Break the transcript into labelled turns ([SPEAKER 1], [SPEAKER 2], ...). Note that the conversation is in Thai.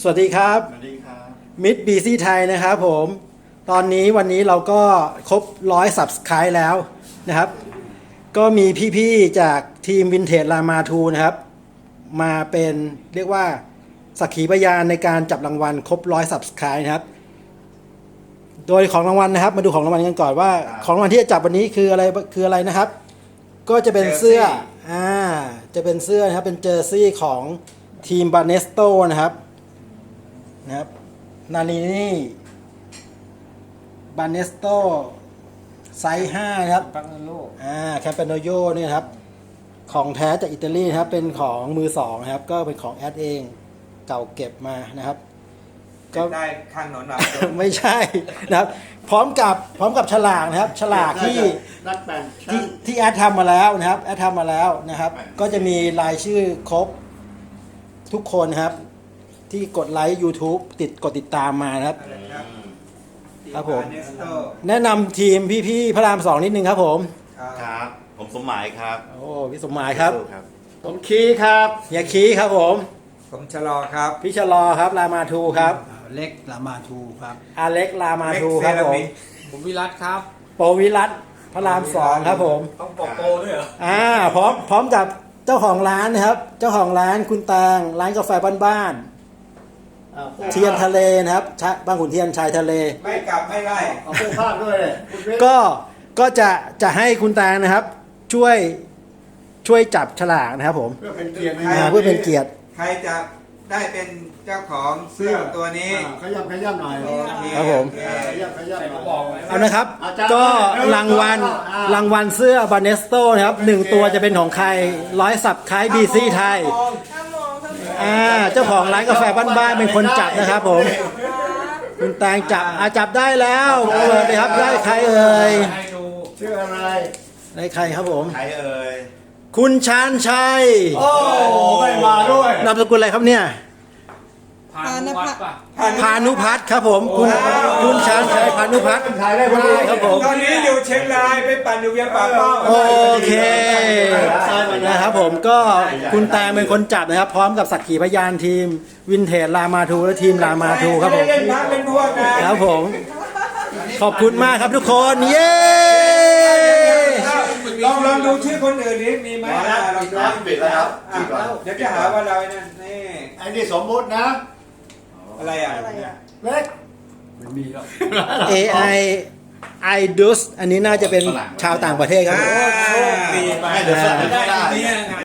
[SPEAKER 1] สวัสดีครับ
[SPEAKER 2] สวัสดีครับ
[SPEAKER 1] มิดบีซี่ไทยนะครับผมวันนี้เราก็ครบ100 Subscribe แล้วนะครับก็มีพี่ๆจากทีมวินเทจรามาทูนะครับมาเป็นเรียกว่าสักขีพยานในการจับรางวัลครบ100 Subscribe นะครับโดยของรางวัลนะครับมาดูของรางวัลกันก่อนว่าของรางวัลที่จะจับวันนี้คืออะไรนะครับก็จะเป็นเสื้อจะเป็นเสื้อนะครับเป็นเจอร์ซี่ของทีมบาเนสโตนะครับนารินี่บาเนสโตไซส์5นะครับแคมเปโนโยนี่ครับของแท้จากอิตาลีนะครับเป็นของมือสองนะครับก็เป็นของแอดเองเก่าเก็บมานะครับ
[SPEAKER 3] ก็ได้ข้างหนอนหลับ
[SPEAKER 1] ไม่ใช่นะครับพร้อมกับฉลากนะครับฉลากที่แอดทำมาแล้วนะครับแอดทำมาแล้วนะครับก็จะมีรายชื่อครบทุกคนนะครับที่กดไลค์ YouTube กดติดตามมานะครับครับผมแนะนำทีมพี่ๆพระราม2นิดนึงครับผม
[SPEAKER 2] ครับผมสมหมายครับ
[SPEAKER 1] โอ้พี่สมหมายครับ
[SPEAKER 2] ผมคีครับ
[SPEAKER 1] เฮียคีครับผม
[SPEAKER 3] ผมชะลอครับ
[SPEAKER 1] พี่ชะลอครับรามาทูครับ
[SPEAKER 4] เล็กรามาทูครับ
[SPEAKER 1] อาเล็กรามาทูครับผม
[SPEAKER 4] ผมวิรัตครับ
[SPEAKER 1] โปวิรัตพระราม2ครับผม
[SPEAKER 3] ต้องปกโปด้วยเหรอ
[SPEAKER 1] พร้อมกับเจ้าของร้านนะครับเจ้าของร้านคุณแตงร้านกาแฟบ้านๆเทียนทะเลนะครับบางขุนเทียนชายทะเล
[SPEAKER 3] ไม่กลับไม่ไล่
[SPEAKER 2] เอาเสื้อผ้าด้วยเลย
[SPEAKER 1] ก็จะให้คุณแตงนะครับช่วยจับฉลากนะครับผม
[SPEAKER 2] เพื่อเป็นเกียรติ
[SPEAKER 1] เพื่อเป็นเกียรติ
[SPEAKER 3] ใครจะได้เป็นเจ้าของเสื้อตัวนี้
[SPEAKER 2] ขยับหน่อย
[SPEAKER 3] โอเค
[SPEAKER 1] ครับผม
[SPEAKER 3] โอเค
[SPEAKER 2] ขยับหน่อย
[SPEAKER 1] เอานะครับ
[SPEAKER 2] อาจารย์
[SPEAKER 1] ก็รางวัลเสื้อบาเนสโตนะครับ1ตัวจะเป็นของใคร100 Subscribeบีซี่ไทยเจ้าของร้านกาแฟบ้านๆเป็นคนจับนะครับผมคุณแตงจับได้แล้วเปิดเลยครับได้ใครเอ่ย
[SPEAKER 2] ชื่ออะไร
[SPEAKER 1] ได้ใครครับผม
[SPEAKER 2] ใครเอ่ย
[SPEAKER 1] คุณชาญชัย
[SPEAKER 2] โอ้ไม่มาด้วย
[SPEAKER 1] นามสกุลอะไรครับเนี่ย
[SPEAKER 4] พานุวัฒน์ป่ะ
[SPEAKER 1] พานุพัฒน์ครับผมคุณชาญชัยพานุพัฒน์
[SPEAKER 2] ถ่ายได้พอดี
[SPEAKER 1] ครับผม
[SPEAKER 3] ตอนนี้อยู่เชียงรายไปปั่นอยู่เวียงป่าเป้า
[SPEAKER 1] โอเคนะครับผมก็คุณแตงเป็นคนจับนะครับ พร้อมกับสักขีพยานทีมวินเทจรามาทูและทีมรามาทูครับผม
[SPEAKER 3] ไม่ได้เล่นพักเป็นพวกนะครับ
[SPEAKER 1] ผมขอบคุณมากครับทุกคนเย้
[SPEAKER 3] ลองดูชื่อคนอื่นนี้มีไหมลองดู
[SPEAKER 2] ปิดแล้วครับ
[SPEAKER 3] เดี๋ยวจะหาว่าเรานั่นนี่
[SPEAKER 2] ไอ้นี่สมมุตินะ
[SPEAKER 3] อะไรอ่ะ
[SPEAKER 2] เล็ก
[SPEAKER 4] ไม่มีหรอก
[SPEAKER 1] AI IDUS อันนี้น่าจะเป็นชาวต่างประเทศครับผม
[SPEAKER 3] โชคดีไป
[SPEAKER 2] ให้เดี๋ยวสั่ง
[SPEAKER 3] ได้
[SPEAKER 2] ได้
[SPEAKER 3] เนี่ย